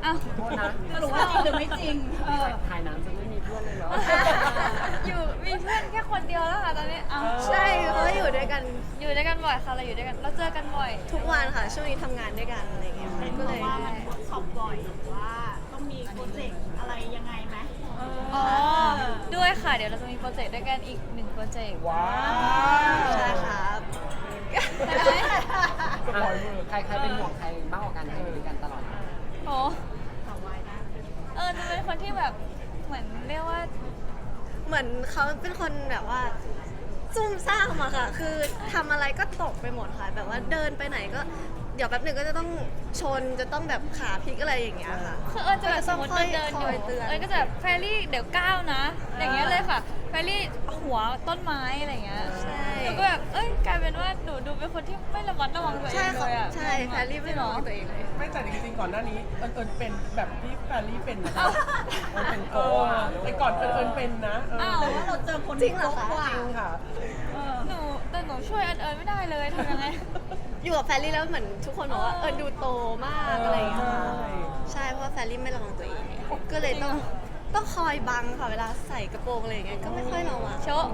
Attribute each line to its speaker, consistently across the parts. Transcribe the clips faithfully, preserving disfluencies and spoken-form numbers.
Speaker 1: อ้าว
Speaker 2: โทษนะ
Speaker 3: สรุปว่าจริงหรือไม่จริงเออ
Speaker 2: ถ่ายหนังจะไม่มีเพื่อนเลยเหรอ
Speaker 1: อยู่มีเพื่อนแค่คนเดียวแล้วค่ะตอนนี้อ้าว
Speaker 4: ใช่เพราะว่าอยู่ด้วยกัน
Speaker 1: อยู่ด้วยกันบ่อยค่ะเราอยู่ด้วยกันเราเจอกันบ่อย
Speaker 4: ทุกวันค่ะ ช่วงนี้ทำงานด้วยกันอะไรเงี้ย
Speaker 3: เป็น
Speaker 4: ก็
Speaker 3: เพ
Speaker 4: เลย
Speaker 3: ราะว่ามันเวิร์กช็อปบ่อยหรือว่าต้องมีโปรเจกต์อะไรยังไงไหม
Speaker 1: อ๋อด้วยค่ะเดี๋ยวเราจะมีโปรเจกต์ด้วยกันอีกหนึ่งโปรเจกต์
Speaker 2: ว้าว
Speaker 4: ใช่ครับ
Speaker 1: ใช่ไหม
Speaker 2: อ่ะใครใครเป็นห่วงใครมากกว่ากันใครอยู่ด้วยกันตลอด
Speaker 1: โอ้
Speaker 3: สาววายนะ
Speaker 1: เออจะเป็นคนที่แบบเหมือนเรียกว่า
Speaker 4: เหมือนเขาเป็นคนแบบว่าซุ่มซ่ามอะค่ะ คือทำอะไรก็ตกไปหมดค่ะ แบบว่าเดินไปไหนก็เดี๋ยวแป๊บหนึ่งก็จะต้องชนจะต้องแบบขาพลิกอะไรอย่างเงี้ยค่ะ
Speaker 1: คือเอิญจะแบบสมมติ
Speaker 4: ค่อยๆ
Speaker 1: เดินๆอ
Speaker 4: ค
Speaker 1: ยู่
Speaker 4: อยเตือน
Speaker 1: เอิญก็จะแบบแฟรี่เดี๋ยวก้าวนะ อย่างเงี้ยเลยค่ะแฟรี่หัวต้นไม้อะไรเงี้ย
Speaker 4: ใช่
Speaker 1: หนูก็แบบเอ้ยกลายเป็นว่าหนูดูเป็นคนที่ไม่ระมัดระวังตัวเอ
Speaker 4: ใช่
Speaker 1: งเล
Speaker 4: ค่ะ
Speaker 1: ยอะ
Speaker 4: ใช่แฟรรี่ไม่รู้ตัวเองเลย
Speaker 5: ไม่แต่จริงๆก่อนหน้านี้เอิญเอิญเป็นแบบที่แฟรรี่เป็นนะคะ
Speaker 2: มันเป็น
Speaker 5: เอ
Speaker 2: โก้
Speaker 5: อ
Speaker 2: อะ
Speaker 5: ไอ้ก่อนเอิญเอิญเป็นนะเออ
Speaker 1: อ้าว
Speaker 3: แต่ว่าเราเจอคน
Speaker 4: จริงเหรอคะ
Speaker 3: โกว่า
Speaker 5: จริงค่ะ
Speaker 3: เออ
Speaker 1: หนูแต่หนูช่วยเอิญเอิญไม่ได้เลยทำยังไง
Speaker 4: อยู่กับแฟรรี่แล้วเหมือนทุกคนบอกว่าเออดูโตมากอะไรอย่างเงี้ยค่ะ
Speaker 5: ใช่
Speaker 4: ใช่เพราะว่าแฟรรี่ไม่ระวังตัวเอง ก็เลยต้องต้องคอยบังค่ะเวลาใส่กระโปรงอะไรอย่างเงี้ยก็ไม่ค่อยระวัง
Speaker 1: โชะ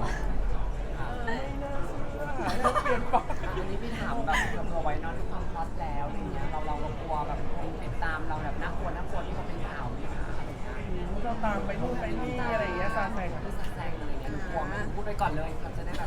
Speaker 5: เปลี่ยนไป
Speaker 2: อันนี้พี่ถามแบบเผื่อไว้เนอนความฮอตแล้วอะไรเงี้ยเราเรากลัวแบบคนติดตามเราแบบน่ากลัวน่ากลัวที่เขาเป็นข่าวนี่ค่ะอะไรเงี้ย
Speaker 5: เราตามไปนู่นไปนี่อะไรอย่างเงี้ยซาแซง
Speaker 2: พูดแซงอะไรเงี้ยหนูกลัวไหมพูดไปก่อนเลยเราจะได้แบบ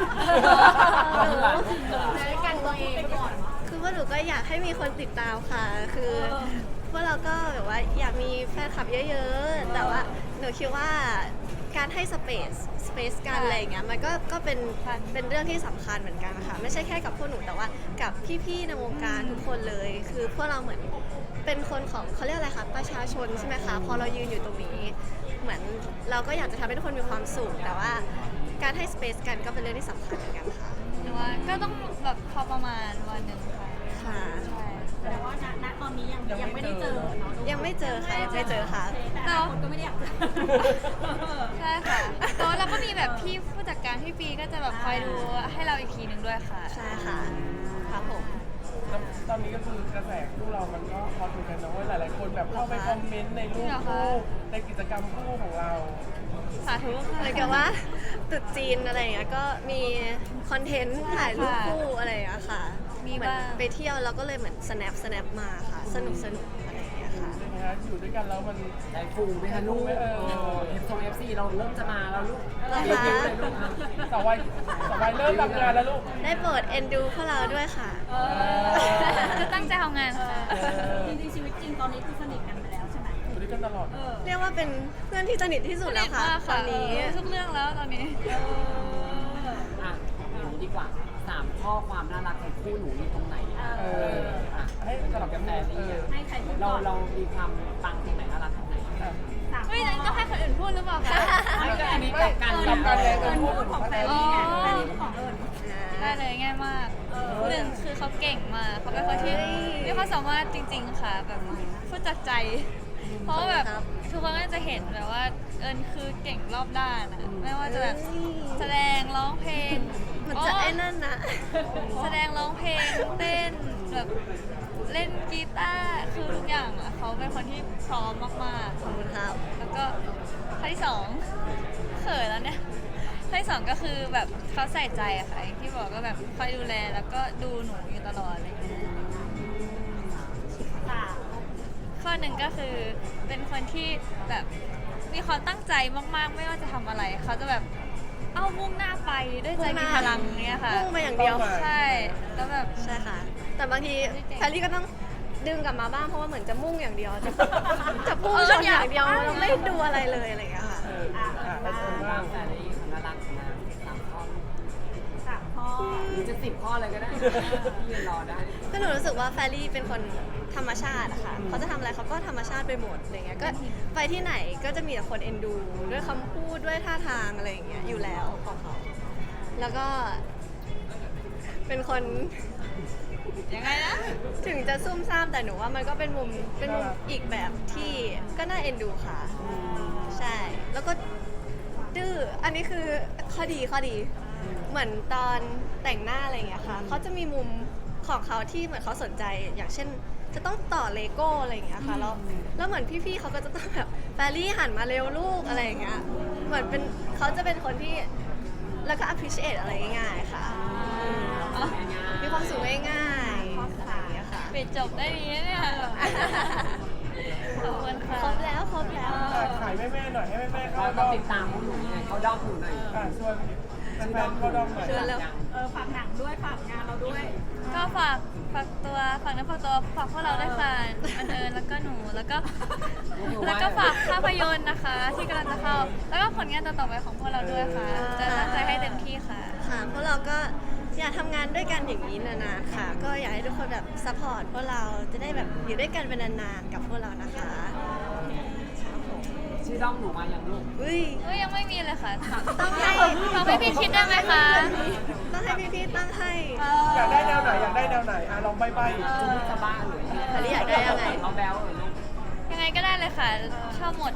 Speaker 3: ใช้กันตัวเองไปก่อน
Speaker 4: คือว่าหนูก็อยากให้มีคนติดตามค่ะ คือพวกเราก็แบบว่าอยากมีแฟนคลับเยอะๆ แต่ว่าหนูคิดว่าการให้สเปซสเปซกันอะไรอย่างเงี้ยมันก็ก็เป็นเป็นเรื่องที่สำคัญเหมือนกันค่ะไม่ใช่แค่กับพวกหนูแต่ว่ากับพี่ๆในวงการทุกคนเลย คือพวกเราเหมือนเป็นคนของเขาเรียกอะไรคะประชาชนใช่ไหมคะพอเรายืนอยู่ตรงนี้ เหมือนเราก็อยากจะทำให้ทุกคนมีความสุขแต่ว่าการให้สเปซกันก็เป็นเรื่องที่สำคัญเหมือนกันค่ะ
Speaker 1: หนูว่าก็ต้องแบบพอประมาณวันหนึ่งค่ะ
Speaker 4: ค่ะ
Speaker 1: ใช่
Speaker 3: แต่ว่าณณตอนนี้ยังยังไม่ได้เจอเนาะ
Speaker 4: ยังไม่เจอค่ะยังไม่เจอค่ะ
Speaker 3: แต่อนาคตก็ไม่ได้อยากเจอ
Speaker 1: ใช่ค่ะแล้วเราก็มีแบบพี่ผู้จัดการพี่ปีก็จะแบบคอยดูให้เราอีกทีหนึ่งด้วยค่ะ
Speaker 4: ใช่ค่ะครับผม
Speaker 5: แล้วตอนนี้ก็คือกระแสคู่เรามันก็ฮอตเหมือนกันนะเว่าหลายๆคนแบบเข้าไปคอมเมนต์ในรูปคู่ในกิจกรรมคู่ของเรา
Speaker 1: สาธุ
Speaker 4: เห
Speaker 1: ค่ะ
Speaker 4: มือนกับว่าตรุดจีนอะไรอย่างเงี้ยก็มีคอนเทนต์ถ่ายรูปคู่อะไรอย่างเงี้ยค่ะ
Speaker 1: มี
Speaker 4: เหมือน
Speaker 1: บ้าง
Speaker 4: ไปเที่ยวแล้วก็เลยเหมือน snap snap มาค่ะ สนุกสนุกอะไรอย่างเงี้ยค่ะ
Speaker 5: ใช่ไหมฮะอยู่ด้วยกันแล้วมัน
Speaker 2: ได้ฟูไหมคะลูก
Speaker 5: เออ
Speaker 2: เอฟซงเอฟซีเราเริ่มจะมาแล้วลูก
Speaker 4: เหรอคะ
Speaker 2: เรียนเลยลูกนะ
Speaker 5: สาววัยสาววัยเริ่มทำงานแล้วลูก
Speaker 4: ได้โปรดเอ็นดูพวกเราด้วยค่ะ
Speaker 1: จะตั้งใจทำงานค่ะ
Speaker 3: จริงๆชีวิตจริงตอนนี้คือสนิทกันไปแล้วใช่ไหม
Speaker 5: อยู่ด้วยกันตลอด
Speaker 3: เออ
Speaker 4: เรียกว่าเป็นเพื่อนที่สนิทที่สุดแล้วค่ะ
Speaker 1: สนิทมาก
Speaker 4: ตอนนี้
Speaker 1: รู้ทุกเรื่องแล้วตอนนี้
Speaker 2: อ่ะอย่างนี้ดีกว่าสามข้อความน่ารักของคู่หนูอยู่ตรงไหน
Speaker 5: เออ
Speaker 2: อ่ะ
Speaker 5: ให้สลับกัน
Speaker 2: แต่
Speaker 5: พูด
Speaker 2: นี่
Speaker 5: เออ
Speaker 3: ให้ใครพูด
Speaker 2: เรา
Speaker 3: ก่อน
Speaker 2: เรามีความปังตรงไหนน่ารักตรงไหน
Speaker 5: อ่ะ
Speaker 3: สาม
Speaker 1: เฮ้ยอันนี้ต้องให้คนอื่นพูดหรือเปล่าคะ
Speaker 2: ไม่ก็อันนี้กลับกัน
Speaker 5: กลับกันเลย
Speaker 3: เอิญพูดของแฟนนี่ไงแฟนนี่พูดของเอิญ
Speaker 1: ได้เลยง่ายมากหนึ่งคือเขาเก่งมากเขาเป็นคนที่มีความสามารถจริง ๆ ค่ะแบบพูดจากใจ เพราะว่าแบบทุกคนก็จะเห็นแบบว่าเอิญคือเก่งรอบด้านอะไม่ว่าจะแบบแสดงร้องเพลง
Speaker 4: มันจะไอ้นั่นนะ
Speaker 1: แสดงร้องเพลงเต้นแบบเล่นกีตาร์คือทุกอย่างอ่ะเขาเป็นคนที่พร้อมมาก
Speaker 4: ขอบคุณครับ
Speaker 1: ๆ แล้วก็ข้อที่สองเขินแล้วเนี่ยข้อที่สองก็คือแบบเขาใส่ใจอะค่ะอย่างที่บอกก็แบบคอยดูแลแล้วก็ดูหนูอยู่ตลอดอะไรอย่างเงี้ย
Speaker 3: สาม
Speaker 1: ข้อหนึ่งก็คือเป็นคนที่แบบมีความตั้งใจมากๆ ไม่ว่าจะทำอะไรเขาจะแบบเอามุ่งหน้าไปด้วยใจมีพลังเนี้ยค่ะ
Speaker 4: พุ่งไปอย่างเดียว
Speaker 1: ใช่แล้วแบบ
Speaker 4: ใช่ค่ะ แต่บางทีแพรรี่ก็ต้องดึงกลับมาบ้างเพราะว่าเหมือนจะมุ่งอย่างเดียว จะจะพุ่งชนอย่างเดียวเราไม่ดูอะไรเลยอะไรอย่างเงี้ยค่ะ
Speaker 5: เอออ่ะอ่ะเออ
Speaker 2: บ้า
Speaker 5: บ้าง ง
Speaker 2: แต่ในน่ารักนะสามข้อ
Speaker 3: สามข้อ
Speaker 2: หรือจะสิบข้อเลยก็ได้ยืนรอได้
Speaker 4: ก็หนูรู้สึกว่าแฟรรี่เป็นคนธรรมชาติอะค่ะเขาจะทำอะไรเขาก็ธรรมชาติไปหมดอะไรเงี้ย ก็ไปที่ไหนก็จะมีแต่คนเอ็นดู ด้วยคำพูดด้วยท่าทางอะไรอย่างเงี้ยอยู่แล้วของเขา แล้วก็ เป็นคน
Speaker 1: ยังไงนะ
Speaker 4: ถึงจะซุ่มซ่ามแต่หนูว่ามันก็เป็นมุมเป็นมุมอีกแบบที่ก็น่าเอ็นดูค่ะ ใช่ แล้วก็ดื้อ อันนี้คือข้อดีข้อดี เหมือนตอนแต่งหน้าอะไรอย่างเงี้ยค่ะ เขาจะมีมุมของเขาที่เหมือนเขาสนใจ อย่างเช่นจะต้องต่อเลโก้อะไรอย่างเงี้ยค่ะแล้วแล้วเหมือนพี่ๆเขาก็จะต้องแบบแฟรี่หันมาเร็วลูกอะไรอย่างเงี้ยเหมือนเป็นเขาจะเป็นคนที่แล้วก็ appreciate อะไรง่ายๆค่ะอืมมีความสุขง่ายๆอะไรอย่างเงี้ยค่ะ
Speaker 1: ปิดจบได้ดีนะเนี่ยขอบคุณค่ะ
Speaker 4: ครบแล้วครบแล้ว
Speaker 5: อ่ะขายแม่ๆหน่อยให้แม่ๆ
Speaker 2: เรา
Speaker 5: เข้า
Speaker 2: ต้
Speaker 5: ด้
Speaker 2: อง
Speaker 5: อม
Speaker 2: ติดตามพวกหนูยังไงเขาด้อมหนูหน่อย
Speaker 5: อ่ะชวนแฟนๆเข้าด้อมหน่อย
Speaker 4: ชวนแล้ว
Speaker 3: เออฝากหนังด้วยฝากงานเราด้วย
Speaker 1: ก็ฝากฝากตัวฝากเนื้อฝากตัวฝากพวกเราด้วยค่ะอันเอิญแล้วก็หนูแล้วก็ แล้วก็ฝากภาพยนตร์นะคะ ที่กำลังจะเข้า แล้วก็ผลงานต่อๆไปของพวกเราด้วยค่ะ จะตั้งใจให้เต็มที่ค่ะ
Speaker 4: ค่ะพวกเราก็อยากทำงานด้วยกันอย่างนี้นานๆค่ะ ก็อยากให้ทุกคนแบบซัพพอร์ตพวกเราจะได้แบบอยู่ด้วยกันเป็นนานๆกับพวกเรานะคะครับผม
Speaker 2: ชื่อด้อมหนูมาอย่างลูก
Speaker 4: อุ้ย
Speaker 1: ก็ยังไม่มีเลยค่ะ
Speaker 4: ต้องให้
Speaker 1: เราไม่พี่คิดได้ไหมคะ
Speaker 4: ต้องให้พี่ๆตั้งให้
Speaker 5: อยากได้แนวไหนอยากได้แนวไหนอ่ะลองใบ้
Speaker 2: จูนี่จะบ้าหรือ
Speaker 4: อันนี้อยากได้ยังไง
Speaker 2: เอาแบลหรือลูก
Speaker 1: ยังไงก็ได้เลยค่ะ ชอบหมด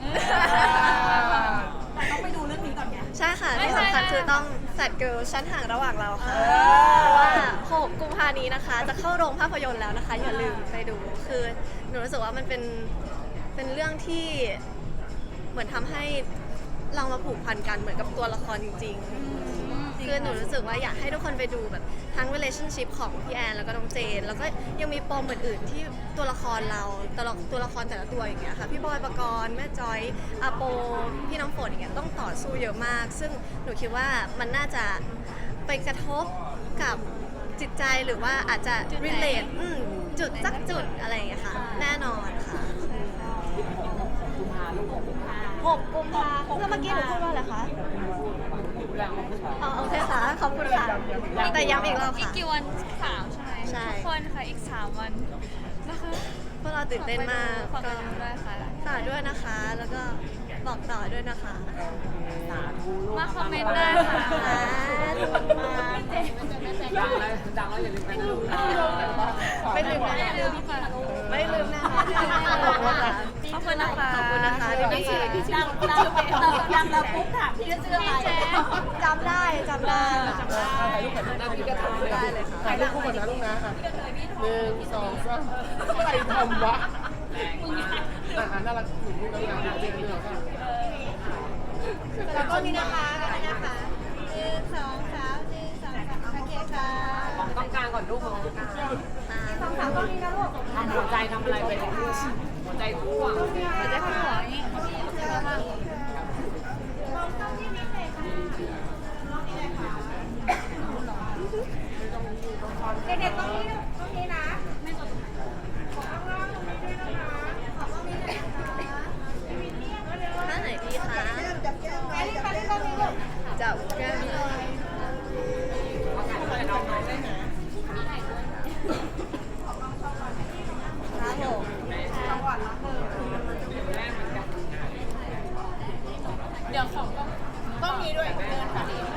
Speaker 3: แต่ต้องไปดูเรื่องนี้ก่อนไง
Speaker 4: ใช่ค่ะ
Speaker 1: ไม่
Speaker 4: ที่
Speaker 1: ใช่
Speaker 4: สำคัญ
Speaker 1: นะ
Speaker 4: คือต้องแฟดเกิลชั้นห่างระหว่างเราค่ะ เพราะว่าหกกุมภานี้นะคะ จะเข้าโรงภาพยนตร์แล้วนะคะ อย่าลืมไปดู คือหนูรู้สึกว่ามันเป็นเป็นเรื่องที่เหมือนทำให้เรามาผูกพันกันเหมือนกับตัวละครจริง ๆ คือหนูรู้สึกว่าอยากให้ทุกคนไปดูแบบทั้ง relationship ของพี่แอนแล้วก็น้องเจน แล้วก็ยังมีปมอื่นๆที่ตัวละครเราตัวละตัวละครแต่ละตัวอย่างเงี้ยค่ะพี่บอยปกรณ์แม่จอยอาโปพี่น้ำฝนอย่างเงี้ยต้องต่อสู้เยอะมาก ซึ่งหนูคิดว่ามันน่าจะไปกระทบกับจิตใจหรือว่าอาจจะ relate อืมจุดสักจุดอะไรอย่างเงี้ยค่ะแน่นอนค่ะ
Speaker 2: กุมภาลูกหกกุมภา
Speaker 4: หกกุมภาแล้วเมื่อกี้หนูพูดว่าอะไรคะ
Speaker 2: แรงมาก
Speaker 4: อ๋อโอเคค่ะขอบคุณค่ะแต่ย้ำอีกรอบ
Speaker 1: อีก
Speaker 4: ค่ะ
Speaker 1: กี่วันสามใช่ไหม
Speaker 4: ใช่
Speaker 1: ทุกคนค่ะ อีกสามวันนะคะ
Speaker 4: พวกเราตื่นเต้นมาก
Speaker 1: ฝากไป
Speaker 4: ก็
Speaker 1: ดูด้วยค่ะ
Speaker 4: ฝากด้วยนะคะ แล้วก็บอกต่อด้วยนะคะ
Speaker 2: สาธุลูก
Speaker 1: มาคอมเมนต์ได้ค่ะ
Speaker 4: สาธุ
Speaker 2: ดังแล้วดังแล้วอย่าลืมไปดูนะ
Speaker 4: ไม่ลืมแน่
Speaker 1: ไม่ลืมค่ะ
Speaker 4: ไม่ลืมแน่ขอบคุณค่ะ
Speaker 1: ขอบคุณนะคะ
Speaker 4: ขอบคุณนะคะพี่พี่พี่
Speaker 3: ดังดังดังเราปุ๊บถามพี่จะชื่ออะไร
Speaker 4: จำได้จำได้
Speaker 5: ถ่ายรูปกับหน้าพี่ก็ถ่าย
Speaker 4: ได้เลยค่ะ
Speaker 5: ถ่ายรูปคู่กันนะลูกนะอ่ะหนึ่งสองสามใครทำวะอ่ะอ่ะน่ารักอยู่คู่กันนะเจนเรื่องค่ะ
Speaker 4: แล้วก็นี่นะคะนี่นะคะหนึ่งสองสามหนึ่งสองสามโอเคค่ะ
Speaker 2: ต้องการก่อนลูกของต้องการ
Speaker 4: สองสามตรงนี้นะลูก
Speaker 2: ทำหัวใจทำอะไรไปหัวใจคู่อ่ะ
Speaker 1: เราจะขึ้นหัวอย่างนี้
Speaker 3: เด็กๆตรงนี้ตรงนี้นะ
Speaker 4: ท่าไหนดีคะ
Speaker 3: จับแก้มไปที่ไปที่ตรงนี้ลูก
Speaker 4: จับแก้ม
Speaker 2: เขาถ่ายรูปกับน้องหน่อยได้ไหม
Speaker 4: ครับผม
Speaker 2: แม่เหมือนกัน
Speaker 3: เดี๋ยวของต้องมีด้วยเดินค่ะ